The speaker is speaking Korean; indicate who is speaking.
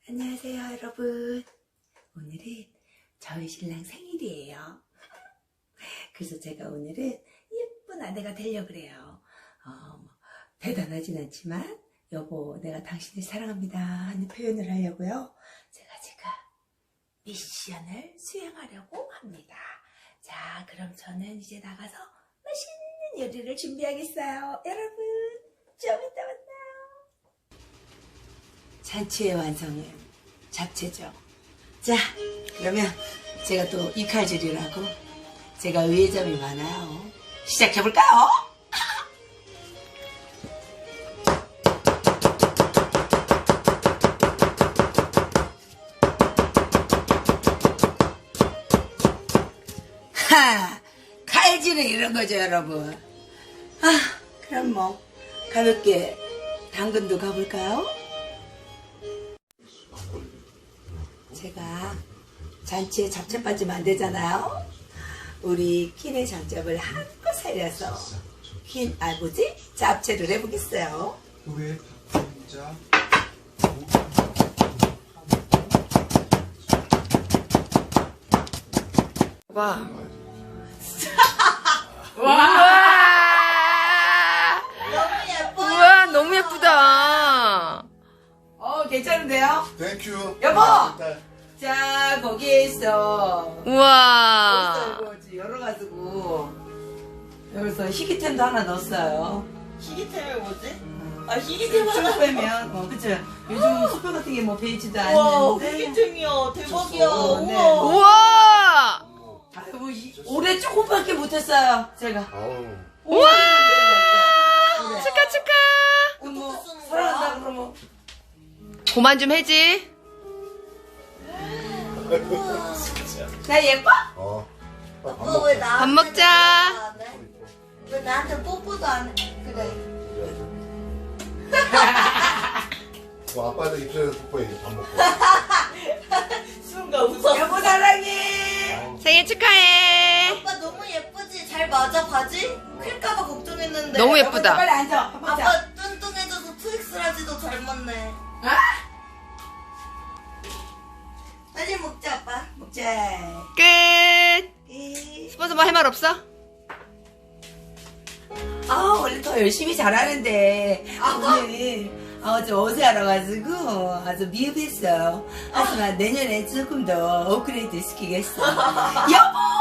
Speaker 1: 안녕하세요 여러분. 오늘은 저희 신랑 생일이에요. 그래서 제가 오늘은 예쁜 아내가 되려고 그래요. 대단하진 않지만 여보 내가 당신을 사랑합니다 하는 표현을 하려고요. 제가 지금 미션을 수행하려고 합니다. 자, 그럼 저는 이제 나가서 맛있는 요리를 준비하겠어요. 여러분 좀 이따 만나요. 잔치의 완성은 잡채죠. 자, 그러면 제가 또 이칼질이라고 제가 의외 점이 많아요. 시작해볼까요? 하! 칼질은 이런 거죠, 여러분. 그럼 뭐 가볍게 당근도 가볼까요? 제가 잔치에 잡채 빠지면 안 되잖아요. 우리 퀸의 장점을 한껏 살려서 잡채를 해보겠어요.
Speaker 2: 왜 바쁜자?
Speaker 3: 와.
Speaker 1: 너무 예뻐요.
Speaker 3: 우와, 너무 예쁘다.
Speaker 1: 괜찮은데요?
Speaker 2: 땡큐.
Speaker 1: 여보! 자, 거기에 있어.
Speaker 3: 우와.
Speaker 1: 이거 열어가지고 여기서 희귀템도 하나 넣었어요.
Speaker 4: 희귀템이 뭐지?
Speaker 1: 희귀템 하나 빼면 그쵸? 요즘 수표 같은 게 뭐 베이지도
Speaker 4: 와,
Speaker 1: 않는데
Speaker 4: 희귀템이야. 대박이야.
Speaker 1: 네.
Speaker 4: 우와.
Speaker 3: 우와.
Speaker 1: 아이고, 올해 조금밖에 못했어요 제가.
Speaker 3: 우와.
Speaker 1: 그래.
Speaker 3: 축하.
Speaker 1: 그럼 뭐
Speaker 4: 어떻게 쓰는
Speaker 1: 사랑한다
Speaker 4: 거야?
Speaker 1: 그러면
Speaker 3: 그만 좀 해지.
Speaker 1: 나 예뻐?
Speaker 4: 아빠 왜 나한테
Speaker 3: 밥 먹자.
Speaker 4: 안 해? 왜 나한테 뽀뽀도 안 해? 그래.
Speaker 2: 아빠도 입술에서 뽀뽀해 밥 먹고.
Speaker 4: 순간 웃었어.
Speaker 1: 여보 사랑해.
Speaker 3: 생일 축하해.
Speaker 4: 아빠 너무 예쁘지? 잘 맞아 바지? 클까봐 걱정했는데.
Speaker 3: 너무
Speaker 1: 여보,
Speaker 3: 예쁘다.
Speaker 1: 빨리 앉아. 밥 먹자.
Speaker 4: 아빠 뚱뚱해져서 트윅스라지도 잘 맞네. 빨리 먹자 아빠.
Speaker 1: 먹자.
Speaker 3: 끝. 스폰서 뭐 할 말 없어?
Speaker 1: 원래 더 열심히 잘하는데 오늘 좀 어제 알아가지고 아주 미흡했어요. 하지만 내년에 조금 더 업그레이드 시키겠어. 여보!